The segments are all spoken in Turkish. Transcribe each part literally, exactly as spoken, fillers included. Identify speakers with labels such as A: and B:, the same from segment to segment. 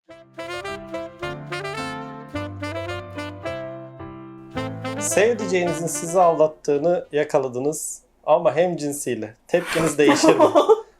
A: Sevdiceğinizin sizi aldattığını yakaladınız ama hem cinsiyle. Tepkiniz değişir mi?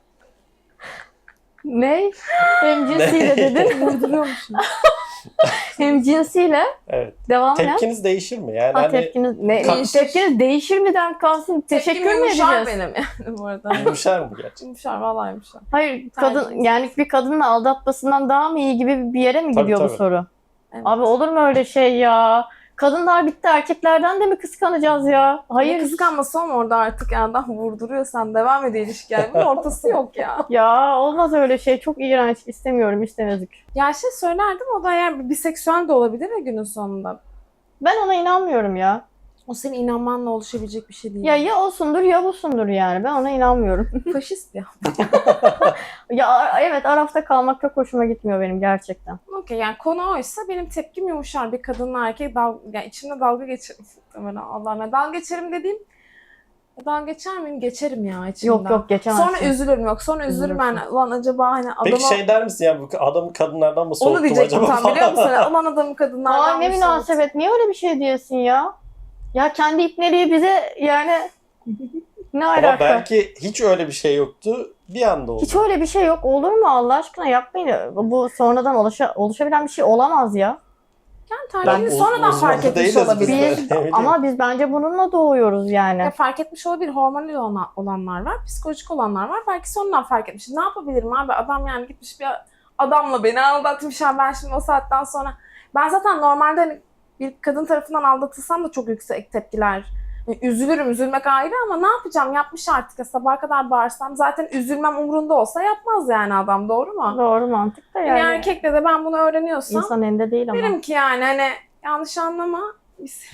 B: Ne? Hem cinsiyle dedin.
C: Vurduruyormuşum.
B: Hem cinsiyle.
A: Evet.
B: Devam et.
A: Tepkiniz değişir mi? Yani
B: Ha,
A: hani
B: tepkiniz, ne,
C: Değişir.
B: tepkiniz değişir miden kalsın. Teşekkür mü edeceğiz?
C: Yumuşar benim yani bu arada.
A: yumuşar mı gerçekten?
C: Yumuşar, vallahi yumuşar.
B: Hayır, kadın
C: Tercihiniz.
B: yani bir kadının aldatmasından daha mı iyi gibi bir yere mi
A: Tabii,
B: gidiyor bu
A: tabii.
B: soru?
C: Evet.
B: Abi olur mu öyle şey ya? Kadınlar bitti, erkeklerden de mi kıskanacağız ya?
C: Hayır.
B: Hayır.
C: Kıskanması ama orada artık yani adam vurduruyorsan devam ediyor ilişki. Yani bunun ortası yok ya.
B: Ya olmaz öyle şey. Çok iğrenç. İstemiyorum, istemezdik.
C: Ya şey söylerdim, o da eğer biseksüel de olabilir ya günün sonunda.
B: Ben ona inanmıyorum ya.
C: O senin inanmanla oluşabilecek bir şey değil.
B: Ya ya osundur ya busundur yani. Ben ona inanmıyorum.
C: Faşist ya.
B: Ya evet, arafta kalmak çok hoşuma gitmiyor benim gerçekten.
C: Okey, yani konu oysa benim tepkim yumuşar. Bir kadınla erkek dal yani içimde dalga geçerim. Allah'ım ya, dalga geçerim dediğim, dalga geçer miyim? Geçerim ya içimden.
B: Yok yok, geçemezsin.
C: Sonra üzülürüm, yok sonra üzülürüm ben. Ulan acaba hani adama...
A: Peki şey der misin ya, bu adamı kadınlardan mı soğuttum
C: Onu diyecektim
A: acaba
C: tam, biliyor musun?
A: falan?
C: Ulan adamı kadınlardan
B: Aa, ne
C: mı
B: münasebet. Niye öyle bir şey diyorsun ya? Ya kendi ipneliği bize yani ne
A: Ama
B: alaka?
A: belki hiç öyle bir şey yoktu. Bir anda oldu.
B: Hiç öyle bir şey yok. Olur mu Allah aşkına, yapmayın. Bu sonradan oluşa, oluşabilen bir şey olamaz ya.
C: Yani
A: Ben
C: tercihini
A: uz-
C: sonradan
A: uzmanı
C: fark etmiş
A: değiliz biz
C: olabilir.
A: de.
B: Biz,
A: Ne bileyim.
B: ama biz bence bununla doğuyoruz yani.
C: Ya fark etmiş olabilir. Hormonal olan- olanlar var, psikolojik olanlar var. Belki sonradan fark etmiş. Ne yapabilirim abi? Adam yani gitmiş bir adamla beni aldatmış. Yani ben şimdi o saatten sonra... Ben zaten normalde hani bir kadın tarafından aldatılsam da çok yüksek tepkiler. Yani üzülürüm, üzülmek ayrı ama ne yapacağım? Yapmış artık ya, sabaha kadar bağırsam. Zaten üzülmem umurunda olsa yapmaz yani adam, doğru mu?
B: Doğru mantık da
C: Yani,
B: yani.
C: erkekle de ben bunu öğreniyorsam
B: İnsan elinde değil ama.
C: derim ki yani hani yanlış anlama. Biz...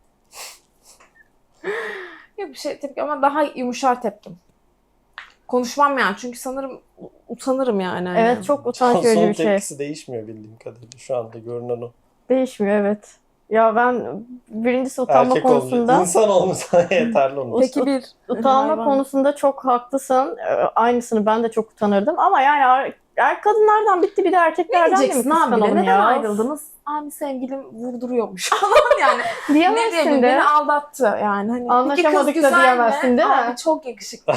C: Yok bir şey tepki ama daha yumuşar tepkim. Konuşmam yani çünkü sanırım utanırım yani. hani.
B: Evet, çok utanç verici
A: Son
B: bir şey.
A: tepkisi değişmiyor bildiğim kadarıyla. Şu anda görünen o.
B: Değişmiyor, evet. Ya ben birincisi utanma
A: Erkek
B: konusunda
A: olmuş. İnsan olmasa yeterli onun.
C: Peki bir
B: utanma
C: hayvan.
B: konusunda çok haklısın. Ee, Aynısını ben de çok utanırdım ama yani er, er kadınlardan bitti, bir de
C: Ne
B: erkeklerden de mi
C: diyeceksin abi?
B: kıskanalım
C: Neden
B: ya?
C: ayrıldınız? Abi sevgilim vurduruyormuş falan yani. ne
B: Diyemezsin
C: diyebilirim?
B: de.
C: Beni aldattı yani. Hani,
B: Anlaşamadık
C: "Peki kız
B: da
C: güzel
B: diyemezsin,
C: mi?"
B: değil mi?
C: Abi çok yakışıklı.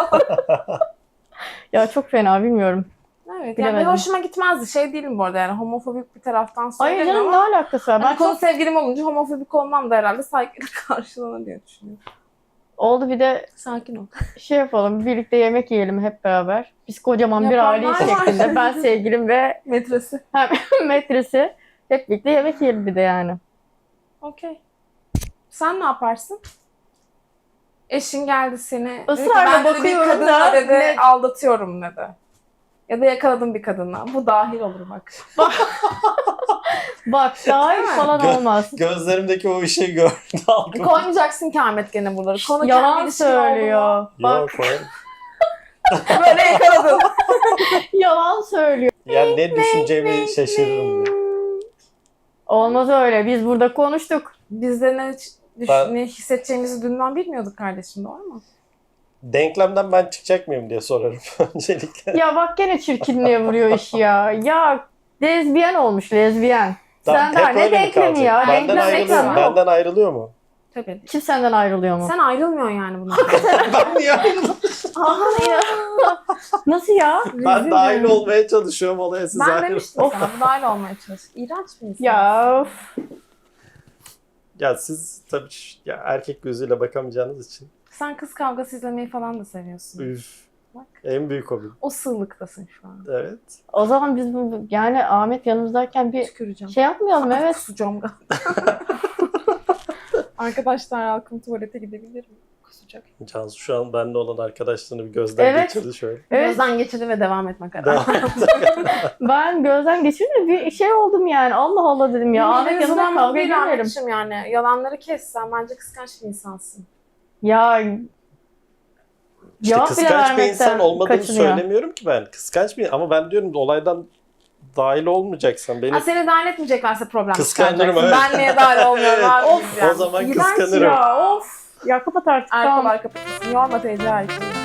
B: Ya çok fena, bilmiyorum.
C: Evet yani
B: Bilemedim.
C: bir hoşuma gitmezdi. Şey değilim bu arada yani homofobik bir taraftan
B: Hayır
C: söylemiyorum
B: canım, ne
C: ama
B: alakası var?
C: hani
B: Ben
C: konu
B: çok
C: sevgilim olunca homofobik olmam da herhalde saygıyla karşılanır diye düşünüyorum.
B: oldu, bir de
C: Sakin ol.
B: şey yapalım, birlikte yemek yiyelim hep beraber. Biz kocaman bir
C: Yapanlar
B: aileyiz
C: var.
B: şeklinde. Ben sevgilim ve
C: Metresi.
B: metresi hep birlikte yemek yiyelim bir de yani.
C: Okey. Sen ne yaparsın? Eşin geldi seni. dedi ki,
B: Israrla
C: "Ben dedi, bir
B: bakıyorum
C: kadınla
B: da
C: dedi,
B: ne-
C: aldatıyorum dedi. Ya da yakaladım bir kadınla. Bu dahil olur bak.
B: Bak dahil
C: Değil mi?
B: falan
A: Gö-
B: olmaz.
A: Gözlerimdeki o ışığı gördü. algım.
C: Koymayacaksın ki Ahmet gene buraları. Konu kendi
B: Yalan
C: ilişkin oldu mu?
B: söylüyor. Bak
A: Yok koyarım.
C: Böyle yakaladın.
B: yalan söylüyor.
A: Ya ne düşüneceğimi şaşırırım ya.
B: Olmaz öyle. Biz burada konuştuk.
C: Biz de ne, düş-
A: Ben-
C: ne hissedeceğimizi dünden bilmiyorduk kardeşim, doğru mu?
A: Denklemden ben çıkacak mıyım diye sorarım öncelikle.
B: Ya bak gene çirkinliğe vuruyor işi ya. Ya lezbiyen olmuş, lezbiyen.
A: Tamam,
B: Sen daha
A: hep
B: ne
A: öyle mi
B: denklemi
A: kalacak?
B: ya?
A: Benden
B: Denklem
A: ayrılıyor mu?
B: denklem yok.
A: Benden ayrılıyor mu?
C: Tabii.
B: Kim senden ayrılıyor mu?
C: Sen ayrılmıyorsun yani bundan.
A: Ben niye ayrıldım?
B: Aha ya. Nasıl ya?
A: Ben dahil olmaya çalışıyorum olaya, siz
C: Ben
A: ayrılın.
C: demiştim sana bu dahil olmaya çalış. İğrenç bir insan.
B: Ya of.
A: Ya siz tabii ş- ya erkek gözüyle bakamayacağınız için.
C: Sen kız kavgası izlemeyi falan da seviyorsun.
A: Üf.
C: Bak.
A: En büyük hobim.
C: O sığlıktasın şu an.
A: Evet.
B: O zaman biz bu, yani Ahmet yanımızdayken bir
C: Tüküreceğim.
B: şey yapmayalım, evet.
C: Kusacağım galiba. Arkadaşlar halkım tuvalete gidebilir mi? Kusacak.
A: Cansu şu an benimle olan arkadaşlığını bir gözden
B: Evet.
A: geçirdi şöyle.
B: Evet,
C: Gözden geçirdi ve devam etme kararı.
A: Devam et.
B: ben gözden geçirince bir şey oldum yani. Allah Allah dedim ya. Ahmet yanımda kavga
C: değil
B: edemeyelim.
C: Ahmetciğim yani. Yalanları kes. Sen bence kıskanç bir insansın.
B: Ya
A: İşte
B: cevap bile
A: kıskanç bir
B: vermekten
A: insan olmadığımı
B: kaçınıyor.
A: söylemiyorum ki ben. Kıskanç bir ama ben diyorum olaydan dahil olmayacaksan beni
C: Ha, seni dahil etmeyeceklerse problem
A: Kıskanırım,
C: çıkaracaksın.
A: evet.
C: Ben niye dahil olmuyorum
A: Evet.
C: abi?
B: Of,
C: diyeceğim.
A: o zaman
C: İğrenç
A: kıskanırım.
C: Ya of.
B: Ya kapat artık,
C: Arkalar
B: tamam.
C: kapatırsın. Yorma teyze erkeği.